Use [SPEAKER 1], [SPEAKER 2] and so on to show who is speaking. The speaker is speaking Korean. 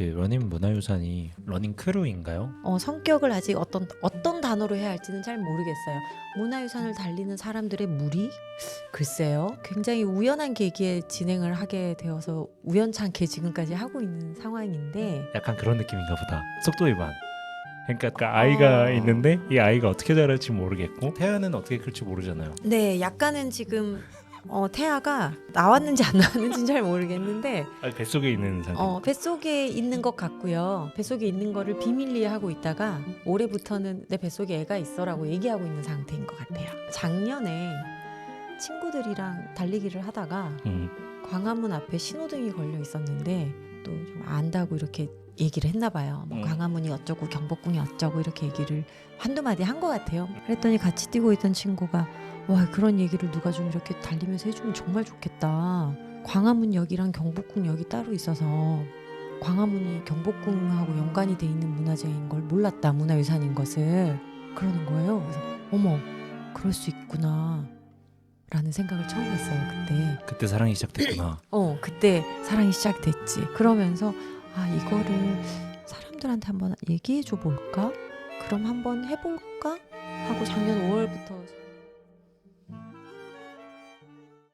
[SPEAKER 1] 그 러닝 문화유산이 러닝 크루인가요?
[SPEAKER 2] 성격을 아직 어떤 단어로 해야 할지는 잘 모르겠어요. 문화유산을 달리는 사람들의 무리? 글쎄요. 굉장히 우연한 계기에 진행을 하게 되어서 우연찮게 지금까지 하고 있는 상황인데
[SPEAKER 1] 약간 그런 느낌인가 보다. 속도 위반. 그러니까 그 아이가 있는데 이 아이가 어떻게 자랄지 모르겠고 태아는 어떻게 클지 모르잖아요.
[SPEAKER 2] 네, 약간은 지금 태아가 나왔는지 안 나왔는지는 잘 모르겠는데
[SPEAKER 1] 뱃속에 있는 상태.
[SPEAKER 2] 뱃속에 있는 것 같고요. 뱃속에 있는 거를 비밀리에 하고 있다가 올해부터는 내 뱃속에 애가 있어라고 얘기하고 있는 상태인 것 같아요. 작년에 친구들이랑 달리기를 하다가 광화문 앞에 신호등이 걸려 있었는데 또 좀 안다고 이렇게 얘기를 했나 봐요. 뭐 광화문이 어쩌고 경복궁이 어쩌고 이렇게 얘기를 한두 마디 한 것 같아요. 그랬더니 같이 뛰고 있던 친구가 와, 그런 얘기를 누가 좀 이렇게 달리면서 해주면 정말 좋겠다. 광화문역이랑 경복궁역이 따로 있어서 광화문이 경복궁하고 연관이 돼 있는 문화재인 걸 몰랐다. 문화유산인 것을. 그러는 거예요. 그래서 어머, 그럴 수 있구나 라는 생각을 처음 했어요.
[SPEAKER 1] 그때 사랑이 시작됐구나.
[SPEAKER 2] 그때 사랑이 시작됐지. 그러면서 이거를 사람들한테 한번 얘기해 줘 볼까? 그럼 한번 해볼까? 하고 작년 5월부터